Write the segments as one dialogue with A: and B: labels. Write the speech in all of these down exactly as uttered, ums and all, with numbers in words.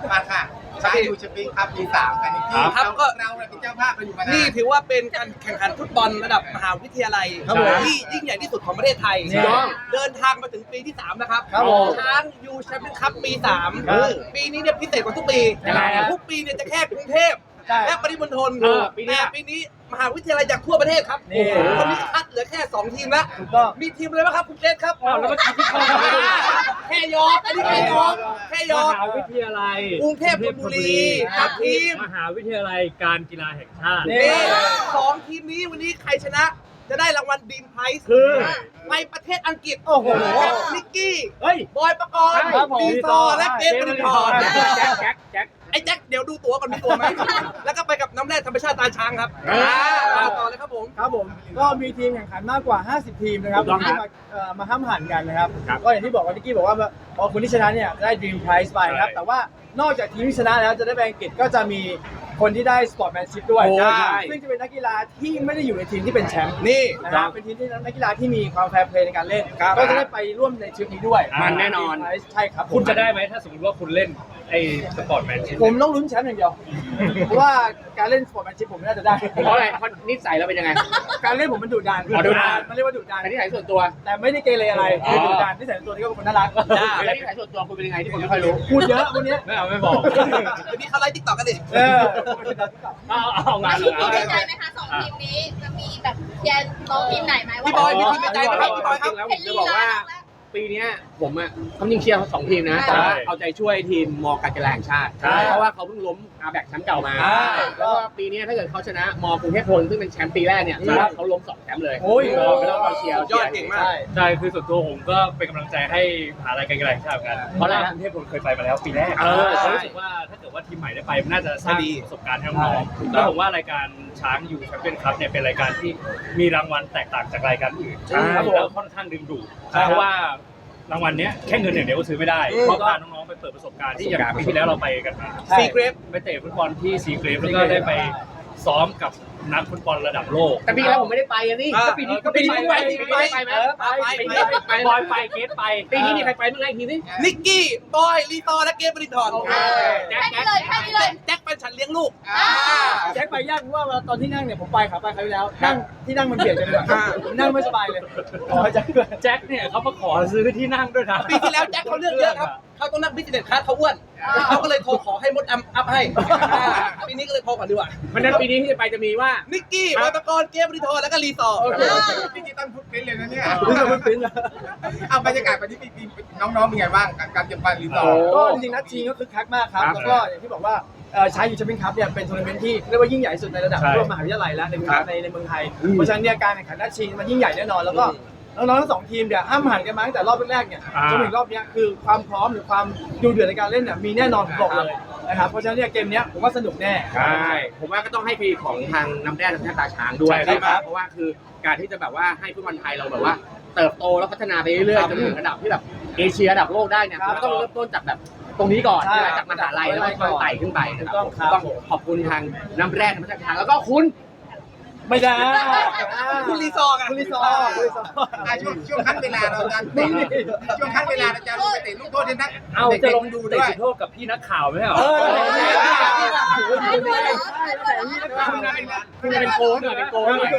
A: มาค่ะช้างยูแชมเปี้ยนคัพปีสามกันอีกทีครับก็เราเป็นเจ้าภาพเราอยู่มานานนี่ถือว่าเป็นการแข่งขันฟุตบอลระดับมหาวิทยาลัยที่ยิ่งใหญ่ที่สุดของประเทศไทยเดินทางมาถึงปีที่สามนะครับช้างยูแชมเปี้ยนคัพปีสามปีนี้เนี่ยพิเศษกว่าทุกปีทุกปีเนี่ยจะแค่กรุงเทพและปริมณฑลปีนี้ปีนี้มหาวิทยาลัยจากทั่วประเทศครับตอนนี้คัดเหลือแค่สองทีมแล้วมีทีมอะไรบ้างครับคุณเจษครับแล้วเมื่อกี้ที่เข้ามาแค่ยอกอันนี้แค่ยอกแค่ยอก
B: มหาวิทยาลัย
A: กรุงเทพธนบุรีกับทีม
B: มหาวิทยาลัยการกีฬาแห่งชาติ
A: สองทีมนี้วันนี้ใครชนะจะได้รางวัลดีมไพรส์
B: คือ
A: ไปประเทศอังกฤษโอ้โหนิกกี้บอยปกรณ์ลีซอและเกมบริทอน
B: แจ็คแจ็คแจ็ค
A: ไอ้แจ็คเดี๋ยวดูตั๋วก่อนมีตั๋วไหมแล้วก็ไปกับน้ำแร่ธรรมชาติตาช้างครับต่อเลยครับผม
C: ครับผมก็มีทีมแข่งขันมากกว่าห้าสิบทีมนะครับที่มามาห้ามหันกันนะครับก็อย่างที่บอกว่านิกกี้บอกว่าพอคนที่ชนะเนี่ยได้ Dream Prize ไปครับแต่ว่านอกจากทีมที่ชนะแล้วจะได้ไปอังกฤษก็จะมีคนที่ได้ Sportsmanship ด้วยซึ่งจะเป็นนักกีฬาที่ไม่ได้อยู่ในทีมที่เป็นแชมป์นี่นะครับเป็นทีมที่นักกีฬาที่มีความแฟร์เพลย์ในการเล่นก็จะได้ไปร่วมในทริปนี้ด้วย
B: มันแน่นอน
C: ใช่ครับ
B: คุณจะได้ไหมถ้าสมมติว่าคุณเล่นไอ้สปอร์ตแมนชิพ
C: ผมต้องลุ้นแชมป์อย่างเดียวเพราะว่าการเล่นสปอร์ตแมนชิพผมน่าจะได้
D: เพราะอะไรเพราะนิสัยเราเป็นยังไง
C: การเล่นผมมันดุดัน
D: ดุดัน
C: มันเรียกว่าดุดัน
D: แต่นิสัยส่วนตัว
C: แต่ไม่ได้เกเรอะไรคือดุดันนิสัยส่วนตัวนี่ก็เป็นคนน่ารัก
D: แล้วนิสัยส่วนตัวคุณเป็นยังไงที่ผมไม่ค่อยรู้
C: พูดเยอะวันนี้
B: ไม่เอาไม่บอก
A: จะมีเขาไลฟ์ติ๊กต็อกกันดิ
C: เออ
B: เอาเอางาน
E: เลยมีในใจไหมคะสองทีมนี้จะมีแบบแยนน้องทีมไหนไหม
A: พี่บอยมีทีมในใจไหมครับพี่บอยครับ
D: แล้วผมจะบอกว่าปีนี้ผมอ่ะเขาจริงเชียร์สองทีมนะแต่ว่าเอาใจช่วยทีมมอการกีฬาแห่งชาติเพราะว่าเขาเพิ่งล้มอาแบกแชมป์เก่ามาแล้วก็ปีนี้ถ้าเกิดเขาชนะมอกรุงเทพธนซึ่งเป็นแชมป์ปีแรกเนี่ยเขาล้มสองแชมป์เลย
C: โอ้ย
D: ไม่ต้องเอาเชียร์
A: ยอดเก่งมาก
B: ใช่คือส่วนตัวผมก็เป็นกำลังใจให้มหาลัยการกีฬาแห่งชาติกันเพราะว่ากรุงเทพธนเคยไปมาแล้วปีแรกเขารู้สึกว่าถ้าเกิดว่าทีมใหม่ได้ไปน่าจะสร้างประสบการณ์ให้น้องๆแล้วผมว่ารายการช้างยูแชมเปี้ยนคัพเนี่ยเป็นรายการที่มีรางวัลแตกต่างจากรายการอื่นแล้วค่อนข้างดึงดูดเพราะว่ารางวัลนี้แค่เงินอย่างเดียวก็ซื้อไม่ได้เพราะพาน้องๆไปเปิดประสบการณ์ที่อย่างปีที่แล้วเราไปกัน
A: ซีเกรฟ
B: ไปเตะฟุตบอลที่ซีเกรฟแล้วก็ได้ไปซ้อมกับนักฟุตบอลระดับโลก
D: แต่ปีแล้วผมไม่ได้ไปอ่ะนี่ก็ปีนี้ก็ปีนี้ไปปีนี้ไปไหม
B: ไปบอยไปเกตไป
D: ปีนี้มีใครไปบ้างไงทีนี้
A: นิกกี้บอยลีตอและเกมบริทอน
E: แจ็คเลยแค่นี้เลย
A: แจ็คเป็นฉันเลี้ยงลูก
C: แจ็คไปยากเพราะว่าตอนที่นั่งเนี่ยผมไปขาไปครั้งที่แล้วนั่งที่นั่งมันเบียดกันเลยผมนั่งไม่สบายเลย
B: แจ็คแจ็คเนี่ยเขามาขอซื้อที่นั่งด้วยนะ
A: ปีที่แล้วแจ็คเขาเลือกเยอะครับเขาต้องนั่งบิสเนสคลาสเขาอ้วนเขาก็เลยโทรขอให้มดอัพให้ปีนี้ก็เลยโทรก่อนดีกว่า
D: เพราะนั้นปีนี้ที่จะไปจะมีว่า
A: นิกกี้บอยปกรณ์เกมบริทอนแล้วก็ลีซอร์
D: ดิจิตอลฟุตปริ้นท์เลยนะเนี่ย
C: ดิจิตอลฟุตปริ้นท์
D: เอาบรรยากาศวันนี้ปีน้องๆเป็นไงบ้างการเตรียมการลีซอร์
C: ก็จริงๆนัดชิงก็คึกคักมากครับแล้วก็อย่างที่บอกว่าใช้ยูแชมเปี้ยนคัพเนี่ยเป็นทัวร์นาเมนต์ที่เรียกว่ายิ่งใหญ่สุดในระดับร่วมมหาวิทยาลัยแล้วในในในเมืองไทยเพราะฉะนั้นเนี่ยการแข่งขันนัดชิงมันยิ่งใหญ่แน่นอนแล้วก็น้องๆทั้งสองทีมเนี่ยห้ามหันกันมาตั้งแต่รอบแรกเนี่ยจนถึงรอบนี้คือความพร้อมหรือความดูเดือดในการเล่นเนี่ยมีแน่นอนผมบอกเลยนะครับเพราะฉะนั้นเนี่ยเกมนี้ผมว่าสนุกแน่
D: ใช่ผมว่าก็ต้องให้พีของทางน้ำแร่ธรรมชาติตาช้างด้วยนะครับเพราะว่าคือการที่จะแบบว่าให้ฟุตบอลไทยเราแบบว่าเติบโตแล้วพัฒนาไปเรื่อยๆจนถึงระดับที่แบบเอเชียระดับโลกได้เนี่ยก็ต้องเริ่มต้นจากแบบตรงนี้ก่อนจากมหาลัยแล้วก็ไต่ขึ้นไปนะครับต้องขอบคุณทางน้ำแร่ธรรมชาติตาช้างแล้วก็คุณ
C: ไม่ได้
A: คุณลีซอร์กัน
C: คุณลีซอร์
D: ช่วงช่วงขั้นเวลาเราจะช่วงขั้นเวลาเราจะลงไปเตะลูกโทษที่นัก
B: เอาจะลงดูเตะจุดโทษกับพี่นักข่าวไหมเหรอ
D: คุณเป็นโกนเหรอเป็นโกน
A: นี่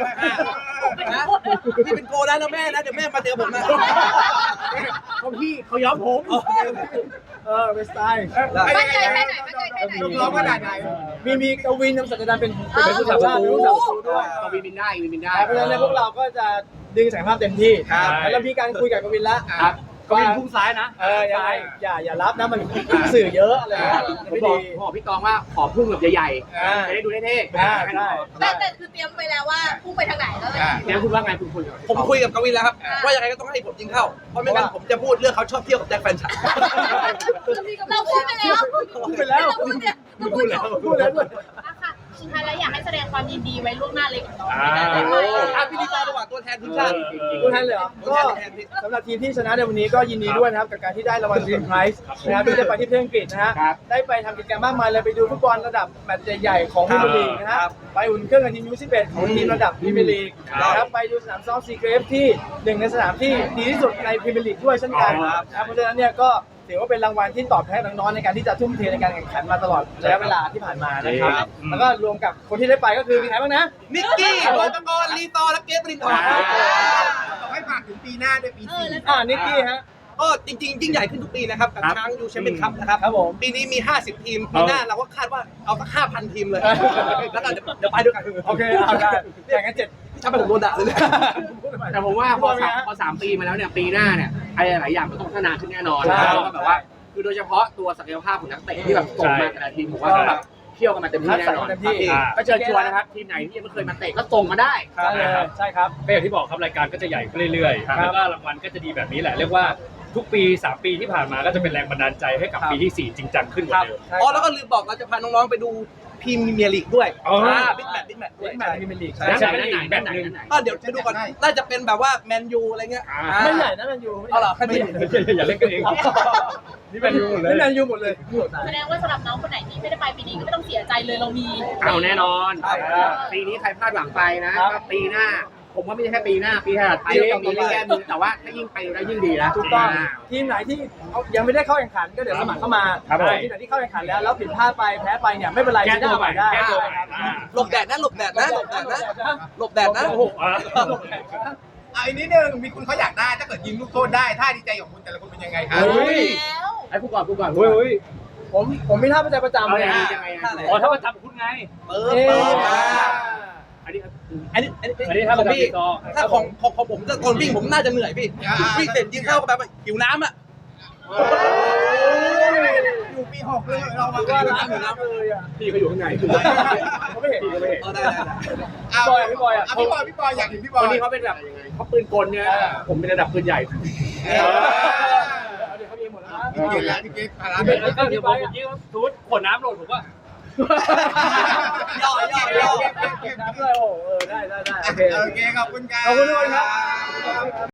A: เป็นโกนแล้วแม่นะเดี๋ยวแม่มาเจอผมนะ
D: เขาพี่เขาย้อมผม
C: เออเป็นสไตล์
E: มั่นใจแค่ไหนมั่นใจแค่ไหน
D: ลูกน้องขนาดไหน
C: มีมีกวินนำศักดาเป็นเป็นผู้สาชาติเป็นผู้สาประตูด้วย
D: กวินบินได้กวินบินได้
C: เพราะฉะนั้นพวกเราก็จะดึงศักยภาพเต็มที่แล้วมีการคุยกับกวินแล้ว
B: กวินพุ่งซ้ายนะ
C: เอออย่าอย่าอย่ารับนะมันสื่อเยอะอะไร
D: ไม่ดีบอกพี่ตองว่าขอพุ่งแบบใหญ่ๆจะได้ดูเท่ๆ
E: แต่แต่คือเตรียมไปแล้วว่าพุ่งไปทางไหนแล้ว
D: เนี่ยคุณว่าไงคุณคุย
A: ผมคุยกับกวินแล้วครับว่ายังไงก็ต้องให้ผมยิงเข้าเพราะไม่งั้นผมจะพูดเรื่องเขาชอบเที่ยวกับแจ็คแฟนฉัน
E: เราพูดไปแล้ว
C: พูดไปแล้ว
E: พูดเนี่ย
C: พูดแล้วพูดแล้วด้วย
E: สุดท้ายแล้วอยากให้แสดงความยินดีไว้ล่วงหน้าเลยกับน้อง
A: อ่าพี่ดีตาระหว่างตัวแทนทีมชาติ
C: ตัวแทนเลยเหรอก็สำหรับทีมที่ชนะในวันนี้ก็ยินดีด้วยนะครับกับการที่ได้รางวัล Dream Prize นะครับที่ได้ไปที่ประเทศอังกฤษนะฮะได้ไปทำกิจกรรมมากมายเลยไปดูฟุตบอลระดับแมตช์ใหญ่ๆของพรีเมียร์ลีกนะฮะไปอุ่นเครื่องกับทีมยูสิบเอ็ดของทีมระดับพรีเมียร์ลีกนะครับไปดูสนามซ้อมซีเกรฟที่หนึ่งในสนามที่ดีที่สุดในพรีเมียร์ลีกด้วยเช่นกันนะครับเพราะฉะนั้นเนี่ยก็ถือว่าเป็นรางวัลที่ตอบแทนน้องๆในการที่จะทุ่มเทในการแข่งขันมาตลอดระยะเวลาที่ผ่านมานะครับแล้วก็รวมกับคนที่ได้ไปก็คือมีใครบ้างนะ
A: นิกกี้บอยปกรณ์ลีตอและเกฟบรินทร์
F: ขอให้ฝากถึงปีหน้าด้วยปีสี่
C: อ่านิกกี้ฮะ
A: ก็จริงๆยิ่งใหญ่ขึ้นทุกปีนะครับกับช้างยูแชมเปี้ยนคัพนะครับ
C: ครับผม
A: ปีนี้มี ห้าสิบ ทีมปีหน้าเราก็คาดว่าเอาสัก ห้าพัน ทีมเลย แล้วก็เดี๋ยวเดี๋ยวไปด้วยกัน
C: โอเคเอาได้แข่งกันเจ็ด
A: ถ้าไปผมโดนด่าเลยเนี่ย
D: แต่ผมว่าพอ
C: พี่บ
D: สา
C: อ
D: ม
C: ลมีฮะ
D: พอสามปีมาแล้วเนี่ยปีหน้าเนี่ยไอ้หลายอย่างมันต้องพัฒนาขึ้นแน่นอน
C: ใช่
D: แล้วก็แบบว่าคือโดยเฉพาะตัวศักยภาพของนักเตะที่แบบส่งมาแต่ละทีมผมว่าต้องแบบเที่ยวกันมาเต็มที่แน่นอน
C: เต็มที่
B: อ่า
D: ก็เชิญชวนนะครับทีมไหนที่ยังไม่เคยมาเตะก็ส่งมาได้
C: ใช่เลยใช่ครับ
B: ก็อย่างที่บอกครับรายการก็จะใหญ่ขึ้นเรื่อยๆ แล้วก็รางวัลก็จะดีแบบนี้แหละ เรียกว่าทุกปีสามปีที่ผ่านมาก็จะเป็นแรงบันดาลใจให้กับ
A: ครับ
B: ปีที่สี่จริงจังขึ้นกว่าเดิม
C: ใช่
A: อ๋อแล้วก็ลืมบอกเราจะพาน้องๆไปดูพรีเมียร์ลีกด้วย
B: อ๋ออ่
A: าบิ๊กแมตช์บิ๊กแมตช์ด้วย
C: บิ๊กแมตช์พรีเมียร์ลีก
B: ด้านไหนด้านไหนด้านไหน
A: ก็เดี๋ยวไปดูก่อนน่าจะเป็นแบบว่าแมนยูอะไรเงี้ย
B: อ่า
A: อ่า
C: ไม่ใหญ่นะแมนยู
A: เอาเหรอ
C: ไม่ใหญ่
B: อย่าเล่นกันเอง นี่แมนยูหมดเลย
C: นี่แมนยูหมดเลย
E: แสดงว่าสำหรับน้องคนไหนที่ไม่ได้ไปปีนี้ก็ไม่ต้องเสียใจเลยเรามี
D: เอาแน่นอน
C: ใช่ครับ
D: ปีนี้ใครพลาดหวังไปนะครับ ก็ปีหน้า ผมว่าไม่ใช่แค่ปีหน้า ปีถัดไปก็มีแก้มือแต่ว่าถ้ายิ่งไปได้ยิ่งดีนะ
C: ถูกต้อง
D: า
C: ทีมไหนที่เอายังไม่ได้เข้าแข่งขันก็เดี๋ยวสมัครเข้ามา
B: ครับผม
C: ทีมไหนที่เข้าแข่งขันแล้วแล้วผิดพลาดไปแพ้ไปเนี่ยไม่เป็นไร
B: แก้ตัวใหม่
C: ได้
B: แก้ตัวใหม่
C: ครับ
B: อ่า
A: หลบแดดนะหลบแดดนะหลบแดดนะหลบแดดนะ
B: โอ้โหอ่ะ
F: เอาอีกนิดนึงมีคุณเขาอยากได้ถ้าเกิดยิงลูกโทษได้ท่าดีใจของคุณแต่ละคนเป็นยังไงครับ
C: เฮ้ย
E: แล้ว
D: ไอ้ผู้ก่อนผู้ก่อน
B: เฮ้ยเฮ้ย
C: ผมผมมีท่าประจำประจำ
B: เอา
C: เลย
B: อย่างนี้
C: นะ
D: ยังไง
A: ท่า
D: อะ
A: ไหน
B: อ๋อถ้ามาจับคุณไง
A: เปิดเปิดมา
D: อันนี้
A: อันนี้อันนี้
B: อันนี้ถ้า
A: ของ
B: มาจับ
A: พี่
B: ติดต่อ
A: ถ้าของของของผมจะตอนวิ่งผมน่าจะเหนื่อยพี่วิ่งเสร็จยิงเข้าแบบหิวน้ำอ่ะ
F: อยู่ปีหกเลยเรามา
C: ว่าร้านอยู่น้ำเลยอ่ะ
D: พี่เขาอยู่ข้างใน
C: เขาไม่เห็น
D: พี่เขาไม่เห็น
A: เออได้ได้ได้
F: เอาพี่บอยอ่ะพี่บอยพี่บอยอยากเห็นพี่บอ
D: คน
F: ย
D: นี้เขาเป็นแบบเขาปืนกลเนี่ยผมเป็นระดับปืนใหญ่
F: เอ
C: เอ
F: อ
C: อเดี๋ยวเขามีหมดแล้วนะ
F: พี่เกดแล้วพี่เกดพารา
B: เดี๋ยวเดี๋ยวผมยิงสมมติขวดน้ำโหลดผมว่า
A: ย่อย่อย่อ
C: น้ำเลยโอ้โหเออได้ได้ได้โอเค
F: โอเคขอบคุณครับ
C: ขอบคุณทุกคนครับ